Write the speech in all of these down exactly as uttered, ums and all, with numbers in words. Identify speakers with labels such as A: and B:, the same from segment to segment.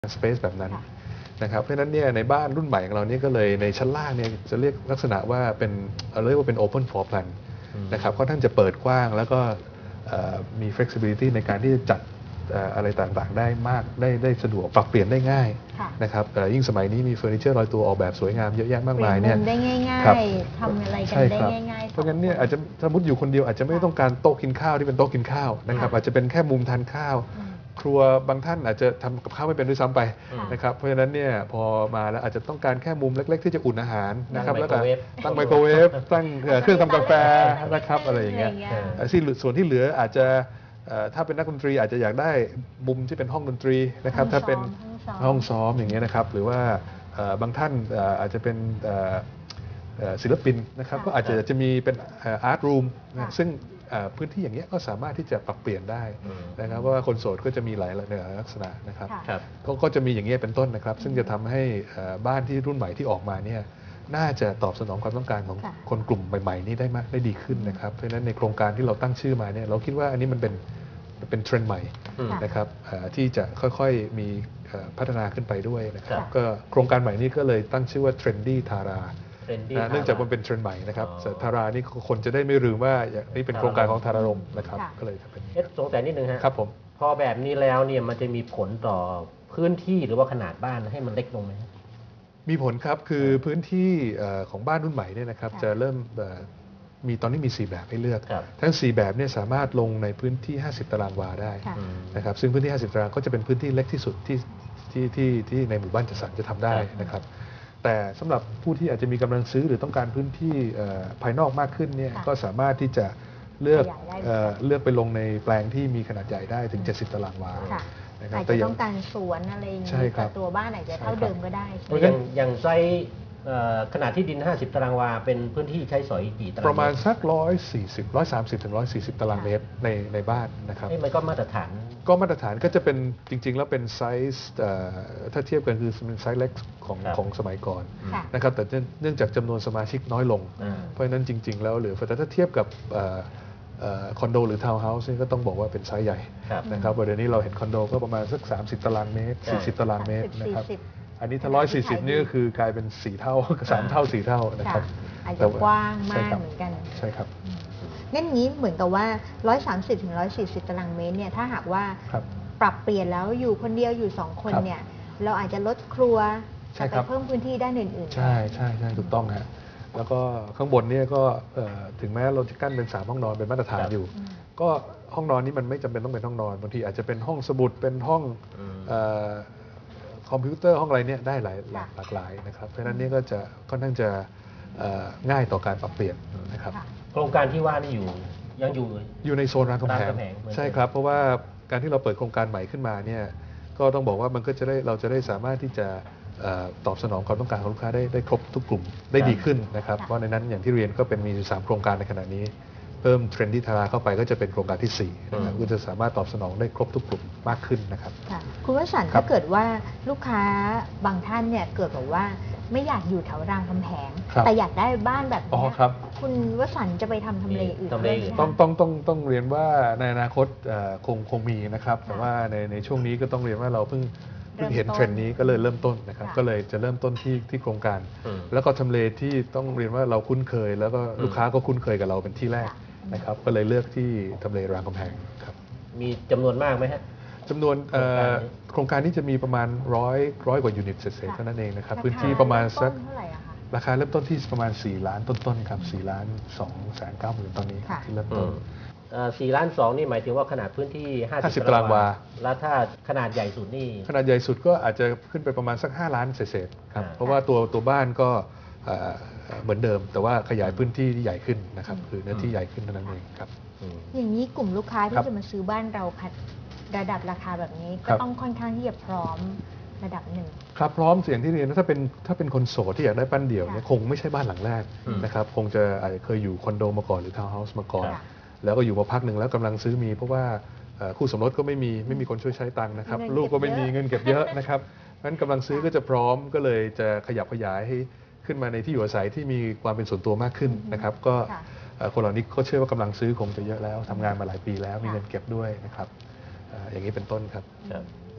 A: สเปซแบบนั้นนะครับเพราะฉะนั้นเนี่ยในบ้านรุ่นใหม่ของเราเนี่ยก็เลยในชั้นล่างเนี่ยจะเรียกลักษณะว่าเป็นเรียกว่าเป็น open floor plan นะครับค่อนข้างจะเปิดกว้างแล้วก็มี flexibility ในการที่จะจัดอะไรต่างๆได้มากได้ได้สะดวกปรับเปลี่ยนได้ง่ายนะครับยิ่งสมัยนี้มีเฟอร์นิเจอร์ลอยตัวออกแบบสวยงามเยอะแยะมากมายเนี่ย
B: ได้ง่ายๆทำอะไรกันได้ง่ายๆ
A: เพราะงั้นเนี่ยอาจจะสมมติอยู่คนเดียวอาจจะไม่ต้องการโต๊ะกินข้าวที่เป็นโต๊ะกินข้าวนะครับอาจจะเป็นแค่มุมทานข้าวครัวบางท่านอาจจะทำกับข้าวไม่เป็นด้วยซ้ำไปนะครับเพราะฉะนั้นเนี่ยพอมาแล้วอาจจะต้องการแค่มุมเล็กๆที่จะอุ่นอาหารนะครับแล้วก็ตั้งไมโครเวฟตั้งเครื่องทำกาแฟนะครับอะไรอย่างเงี้ยส่วนที่เหลืออาจจะถ้าเป็นนักดนตรีอาจจะอยากได้มุมที่เป็นห้องดนตรีนะครับถ้าเป็นห้องซ้อมอย่างเงี้ยนะครับหรือว่าบางท่านอาจจะเป็นศิลปินนะครับก็อาจจะจะมีเป็นอาร์ตรูมซึ่งพื้นที่อย่างเงี้ยก็สามารถที่จะปรับเปลี่ยนได้นะครับเพราะว่าคนโสดก็จะมีหลายลักษณะนะครับก็จะมีอย่างเงี้ยเป็นต้นนะครับซึ่งจะทำให้บ้านที่รุ่นใหม่ที่ออกมาเนี่ยน่าจะตอบสนองความต้องการของคนกลุ่มใหม่ๆนี้ได้มากได้ดีขึ้นนะครับเพราะฉะนั้นในโครงการที่เราตั้งชื่อมาเนี่ยเราคิดว่าอันนี้มันเป็นเป็นเทรนด์ใหม่นะครับที่จะค่อยๆมีพัฒนาขึ้นไปด้วยนะครับก็โครงการใหม่นี้ก็เลยตั้งชื่อว่า Trendy Thara เนื่องจากมันเป็นเทรนด์ใหม่นะครับทารานี่คนจะได้ไม่ลืมว่านี่เป็นโครงการของธารารมนะครับก็เลยเป็น
C: สงสัยนิดนึงฮะ
A: ครับผม
C: พอแบบนี้แล้วเนี่ยมันจะมีผลต่อพื้นที่หรือว่าขนาดบ้านให้มันเล็กลงไหม
A: มีผลครับคือพื้นที่ของบ้านรุ่นใหม่เนี่ยนะครับจะเริ่มมีตอนนี้มีสี่แบบให้เลือกทั้งสี่แบบเนี่ยสามารถลงในพื้นที่ห้าสิบตารางวาได้นะครับซึ่งพื้นที่ห้าสิบตารางก็จะเป็นพื้นที่เล็กที่สุดที่ที่ที่ที่ในหมู่บ้านจัดสรรจะทำได้นะครับแต่สำหรับผู้ที่อาจจะมีกำลังซื้อหรือต้องการพื้นที่ภายนอกมากขึ้นเนี่ยก็สามารถที่จะเลือกเลือกไปลงในแปลงที่มีขนาดใหญ่ได้ถึงเจ็ดสิบตารางวา
B: อาจจะต้องการสวนอะไรอย่างนี้แต่ตัวบ้านอาจจะเท่าเดิมก็ได้
C: อย่างอย่างไซส์ขนาดที่ดินห้าสิบตารางวาเป็นพื้นที่ใช้สอยกี่ตาราง
A: ประมาณสักหนึ่งร้อยสี่สิบ หนึ่งร้อยสามสิบถึงหนึ่งร้อยสี่สิบตารางเมตรในในบ้านนะครับ
C: นี่มันก็มาตรฐาน
A: ก็มาตรฐานก็จะเป็นจริงๆแล้วเป็นไซส์ถ้าเทียบกันคือเป็นไซส์เล็กของของสมัยก่อนนะครับแต่เนื่องจากจำนวนสมาชิกน้อยลงเพราะฉะนั้นจริงๆแล้วเหลือแต่ถ้าเทียบกับคอนโดหรือทาวน์เฮาส์นี่ก็ต้องบอกว่าเป็นไซส์ใหญ่นะครับเดี๋ยวนี้เราเห็นคอนโดก็ประมาณสักสามสิบตารางเมตรสี่สิบตารางเมตรนะครับอันนี้ถ้าหนึ่งร้อยสี่สิบนี่ก็คือกลายเป็นสี่เท่าสามเท่าสี่เท่านะครับ
B: อาจจะกว้างมากเหมือนกัน
A: ใช่ครับ
B: งั้นงี้เหมือนกับว่าหนึ่งร้อยสามสิบถึงหนึ่งร้อยสี่สิบตารางเมตรเนี่ยถ้าหากว่าปรับเปลี่ยนแล้วอยู่คนเดียวอยู่สองคนเนี่ยเราอาจจะลดครัวไปเพิ่มพื้นที่ด้านอื่น
A: ๆใช่ใช่ใช่ถูกต้องฮะแล้วก็ข้างบนเนี่ยก็ถึงแม้เราจะกั้นเป็นสามห้องนอนเป็นมาตรฐานอยู่ก็ห้องนอนนี้มันไม่จำเป็นต้องเป็นห้องนอนบางทีอาจจะเป็นห้องสมุดเป็นห้องคอมพิวเตอร์ห้องอะไรเนี่ยได้หลายหลากหลายนะครับเพราะฉะนั้นนี่ก็จะค่อนข้างจะง่ายต่อการปรับเปลี่ยนนะครับ
C: โครงการที่ว่านี่อยู่ยังอยู่
A: อยู่ในโซนรามคำแหงใช่ครับเพราะว่าการที่เราเปิดโครงการใหม่ขึ้นมาเนี่ยก็ต้องบอกว่ามันก็จะได้เราจะได้สามารถที่จะตอบสนองความต้องการของลูกค้าได้ได้ครบทุกกลุ่มได้ดีขึ้นนะครับเพราะในนั้นอย่างที่เรียนก็เป็นมีสามโครงการในขณะนี้เพิ่มเทรนดี้ทาราเข้าไปก็จะเป็นโครงการที่สี่นะครับก็จะสามารถตอบสนองได้ครบทุกกลุ่มมากขึ้นนะครับ
B: คุณวสันต์ถ้าเกิดว่าลูกค้าบางท่านเนี่ยเกิดแบบว่าไม่อยากอยู่แถวรามคำแหงแต่อยากได้บ้านแบบนี้คุณวสันต์จะไปทำทำเลอื่นได้
A: ต้องต้องต้องต้องเรียนว่าในอนาคตคงคงมีนะครับแต่ว่าในในช่วงนี้ก็ต้องเรียนว่าเราเพิ่งเพิ่งเห็นเทรนด์นี้ก็เลยเริ่มต้นนะครับก็เลยจะเริ่มต้นที่ที่โครงการแล้วก็ทำเลที่ต้องเรียนว่าเราคุ้นเคยแล้วก็ลูกค้าก็คุ้นเคยกับเราเป็นที่แรกนะครับก็เลยเลือกที่ทำเลรามคำแหงครับ
C: มีจำนวนมากไหมฮะ
A: จำนวนโครงการนี้จะมีประมาณร้อยร้อยกว่ายูนิตเศษๆเท่านั้นเองนะครับพื้นที่ประมาณสักราคาเริ่มต้นที่ประมาณสี่ล้านต้นๆครับสี่ล้านสองแสนเก้าหมื่นตอนนี้ที่เริ่มต้น
C: สี่ล้านสองนี่หมายถึงว่าขนาดพื้นที่ห้าสิบ
A: ตารางวา
C: แล้วถ้าขนาดใหญ่สุดนี่
A: ขนาดใหญ่สุดก็อาจจะขึ้นไปประมาณสักห้าล้านเศษๆครับเพราะว่าตัวตัวบ้านก็เหมือนเดิมแต่ว่าขยายพื้นที่ที่ใหญ่ขึ้นนะครับคือเนื้อที่ใหญ่ขึ้นเท่านั้นเองครับ
B: อย่างนี้กลุ่มลูกค้าที่จะมาซื้อบ้านเราระดับราคาแบบนี้ก็ต้องค่อนข้างที่จะพร้อมระดับหนึ่ง
A: ครับพร้อมเสียงที่เรียนถ้าเป็นถ้าเป็นคนโสดที่อยากได้บ้านเดี่ยวเนี่ยคงไม่ใช่บ้านหลังแรกนะครับคงจะอาจจะเคยอยู่คอนโดมาก่อนหรือทาวน์เฮาส์มาก่อนแล้วก็อยู่มาพักหนึ่งแล้วกำลังซื้อมีเพราะว่าคู่สมรสก็ไม่มีไม่มีคนช่วยใช้ตังค์นะครับลูกก็ไม่มีเงินเก็บเยอะนะครับงั้นกำลังซื้อก็จะพร้อมก็เลยจะขยับขยายให้ขึ้นมาในที่อยู่อาศัยที่มีความเป็นส่วนตัวมากขึ้นนะครับก็คนเหล่านี้ก็เชื่อว่ากำลังซื้อคงจะเยอะแล้วทำงานมาหลายปีแล้วมีเงินเก็บด้วยนะครับอย่างนี้เป็นต้นครับ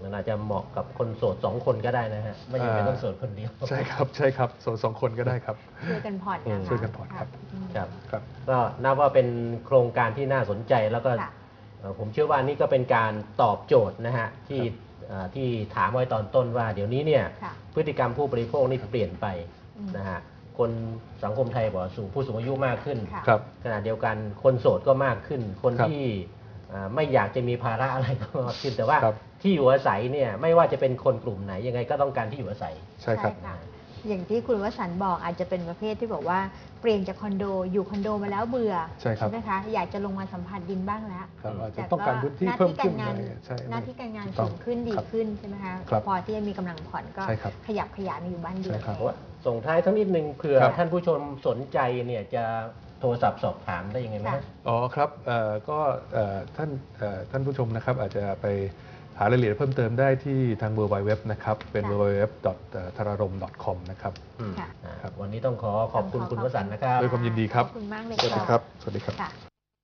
C: มันอาจจะเหมาะกับคนโสดสองคนก็ได้นะฮะไม่จำเป็นต้องโสดคนเดียว
A: ใช่ครับใช่ครับสองสองคนก็ได้ครับ
B: ช่วยกันผ่อนนะคะ
A: ช่วยกันผ่อนครับ
B: อืม
C: ครับ
A: ครับ
C: ก็นับว่าเป็นโครงการที่น่าสนใจแล้วก็
B: ค่ะ
C: เอ่อผมเชื่อว่านี่ก็เป็นการตอบโจทย์นะฮะที่
A: ครับ
C: เอ่อที่ถามไว้ตอนต้นว่า เดี๋ยวนี้เนี่ย
B: ค่ะ
C: พฤติกรรมผู้บริโภคนี่เปลี่ยนไป
B: อืม
C: นะฮะคนสังคมไทยบอกว่าสูงผู้สูงอายุมากขึ้น
B: ค่ะ
A: ครับ
C: ขณะเดียวกันคนโสดก็มากขึ้น คน
A: ครับ
C: ที่อ่าไม่อยากจะมีภาระอะไรก็มากขึ้น แต่ว่า
A: ครับ
C: ที่อยู่อาศัยเนี่ยไม่ว่าจะเป็นคนกลุ่มไหนยังไงก็ต้องการที่อยู่อาศัย
A: ใช่ครับ
B: ะอย่างที่คุณวสันต์บอกอาจจะเป็นประเภทที่บอกว่าเปลี่ยนจากคอนโดอยู่คอนโดมาแล้วเบื่อ
A: ใช่ครับ
B: ไหมคะอยากจะลงมาสัมผัสดินบ้างแล้ว
A: ครับอาจจะ
B: แต่
A: ต้องการพื้นที่
B: หน้า
A: เพิ่ม
B: ที่
A: ขึ้
B: กาน รงาน
A: อะไรใช่
B: หน้าที่การงาน
A: ถูกต้
B: สู
A: อง
B: งขึ้นดี
A: ครับ
B: ขึ้นใช่ไหมคะ
A: ครับ
B: พอที่จะมีกำลังผ่อนก็
A: ใช่ครับ
B: ขยับขยายมาอยู่บ้านเดียว
A: ใช่ครับ
B: เลย
C: ส่งท้ายทั้งนิดนึงเผื่อ
A: ครับ
C: ท่านผู้ชมสนใจเนี่ยจะโทรศัพท์สอบถามได้ยังไงไหม
B: ค่ะ
C: ฮะ
A: อ๋อครับเอ่อก็เอ่อท่านเอ่อท่านผู้ชมนะครับอาจจะไปหารายละเอียดเพิ่มเติมได้ที่ทาง ดับเบิลยู ดับเบิลยู ดับเบิลยู นะครับเป็น
B: ค่ะ
A: ดับเบิลยู ดับเบิลยู ดับเบิลยู ดอท ทารารม ดอท คอม นะครับ
C: อืม
B: ค่ะ
C: อ่า
A: ครับ
C: วันนี้ต้องขอขอบคุณคุณวสันต์นะครับ
A: ด้วยความยินดีครับ
B: ขอบคุณมากเลย
A: สวัสดี
B: ค่ะ
A: ครับ สวัสดีครับ
B: ค่ะ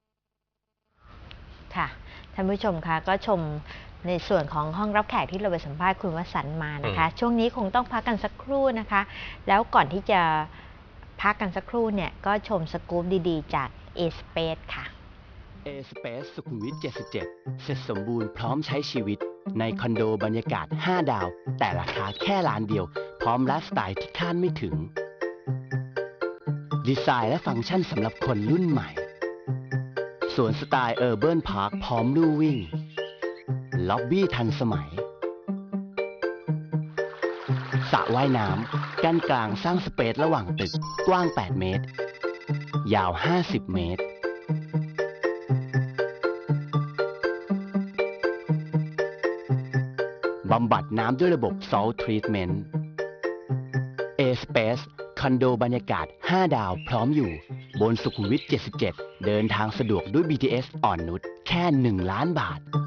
B: ค่ะท่านผู้ชมคะก็ชมในส่วนของห้องรับแขกที่เราไปสัมภาษณ์คุณวสันต์มานะคะ ช่วงนี้คงต้องพักกันสักครู่นะคะ แล้วก่อนที่จะพักกันสักครู่เนี่ยก็ชมสกู๊ปดีๆ จาก A-Space ค่ะ
D: A-Space สุขุมวิท เจ็ดสิบเจ็ด เสร็จสมบูรณ์พร้อมใช้ชีวิต ในคอนโดบรรยากาศ ห้า ดาว แต่ราคาแค่ล้านเดียว พร้อมไลฟ์สไตล์ที่คาดไม่ถึง ดีไซน์และฟังก์ชันสำหรับคนรุ่นใหม่ สวนสไตล์เออร์เบิร์นพาร์คพร้อมลู่วิ่ง ล็อบบี้ทันสมัย สระว่ายน้ำกั้นกลางสร้างสเปซระหว่างตึกกว้าง แปด เมตร ยาว ห้าสิบ เมตร บำบัดน้ำด้วยระบบ Salt Treatment A-Space คอนโดบรรยากาศ ห้า ดาวพร้อมอยู่ บนสุขุมวิท เจ็ดสิบเจ็ด เดินทางสะดวกด้วย บี ที เอส อ่อนนุชแค่ หนึ่ง ล้านบาท